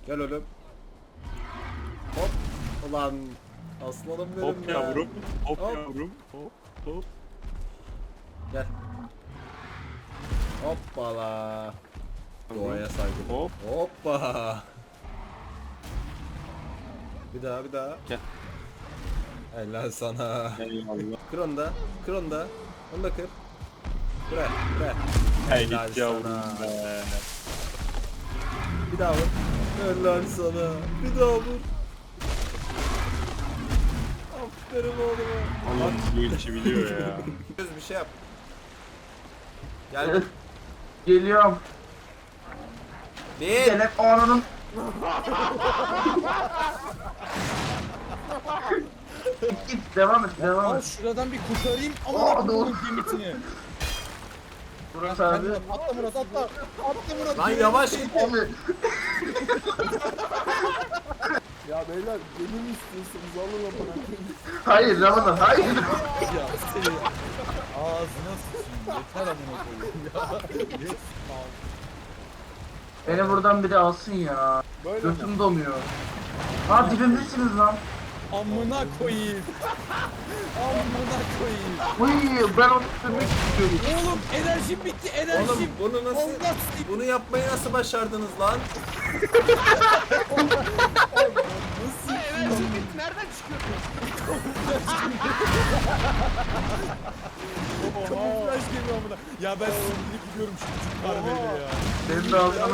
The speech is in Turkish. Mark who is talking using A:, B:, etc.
A: Gel oğlum. Hop. Ulan. Aslanım benim
B: Hop
A: ya.
B: yavrum. Hop
A: Hop.
B: yavrum. Hop hop.
A: Gel. Hoppala. Doğaya saygı.
B: Hop.
A: Hoppa. Bir daha bir daha.
B: Gel.
A: Helal sana.
B: Eyvallah.
A: Kır onu da. Kır onu da. Onu da kır. Kır. Kır.
B: Hey
A: Helal
B: git yavrum
A: sana.
B: be.
A: Bir daha vur. Helal sana. Bir daha vur. Aferin oğluma.
B: Allah'ım bu işi biliyor ya.
A: Bir şey yap. Gel.
C: Geliyorum.
A: Bir.
C: Gelip ananın. Git devam et devam
D: Al
C: et.
D: şuradan bir kurtarayım ama
C: Aa,
D: bunun
C: dur.
D: limitini.
C: Murat abi.
D: Atla Murat atla. Atla Murat.
A: Lan yavaş git.
C: Abi.
D: Ya beyler beni mi istiyorsunuz? Alın lan.
C: Hayır Ramazan hayır.
D: Ya seni ağzına sıçayım. Yeter amına koyayım. Ya. Yes.
C: Beni buradan biri alsın ya.
D: Böyle mi?
C: Götüm donuyor. Ha dibimdesiniz lan.
D: Amına koyayım. Amına koyayım.
C: Uy ben onu sürmek istiyorum.
D: Oğlum enerjim bitti
A: Oğlum
D: enerjim.
A: bunu nasıl
D: Allah
A: bunu yapmayı nasıl başardınız lan?
D: nasıl enerjim bitti nereden çıkıyor? Kamuflaj geliyor amına. Ya ben sinirli gidiyorum şu karneyle ya.
C: Benim de alsana.